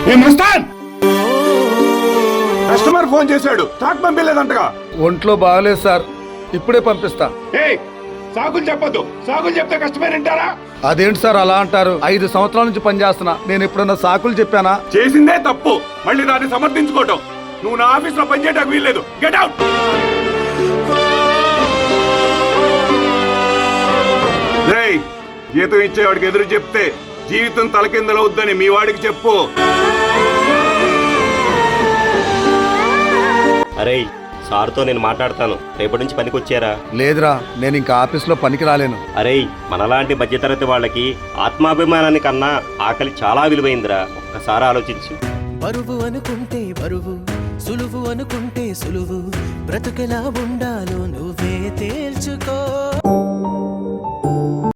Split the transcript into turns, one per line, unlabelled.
Customer phone చేశాడు, stock పంపించలేదంటగా.
ఒంట్లో బాగలేదు సార్, ఇప్పుడే పంపిస్తా.
సాకులు చెప్పొద్దు, సాకులు చెప్తే కస్టమర్ వింటారా?
అదేంటి సార్ అలా అంటారు? 5 సంవత్సరాల నుంచి పనిచేస్తున్నా, నేను ఎప్పుడన్నా సాకులు చెప్పానా?
చేసిందే తప్పు, మళ్ళీ దాన్ని సమర్థించుకోవటం. నువ్వు నా ఆఫీస్ లో పనిచేయడానికి వీల్లేదు. Get out. జీతం ఇచ్చేవాడికి ఎదురు చెప్తే జీవితం తలకిందలవుద్దని మీ వాడికి చెప్పు.
అరే సార్తో నేను మాట్లాడతాను, రేపటి నుంచి పనికి వచ్చారా?
లేదురా, నేను ఇంకా ఆఫీస్లో పనికి రాలేను.
అరే మనలాంటి మధ్యతరగతి వాళ్ళకి ఆత్మాభిమానాన్ని కన్నా ఆకలి చాలా విలువైందిరా, ఒక్కసారి ఆలోచించు.
బరువు అనుకుంటే బరువు, సులువు అనుకుంటే సులువు, బ్రతుకెలా ఉండాలో నువ్వే తేల్చుకో.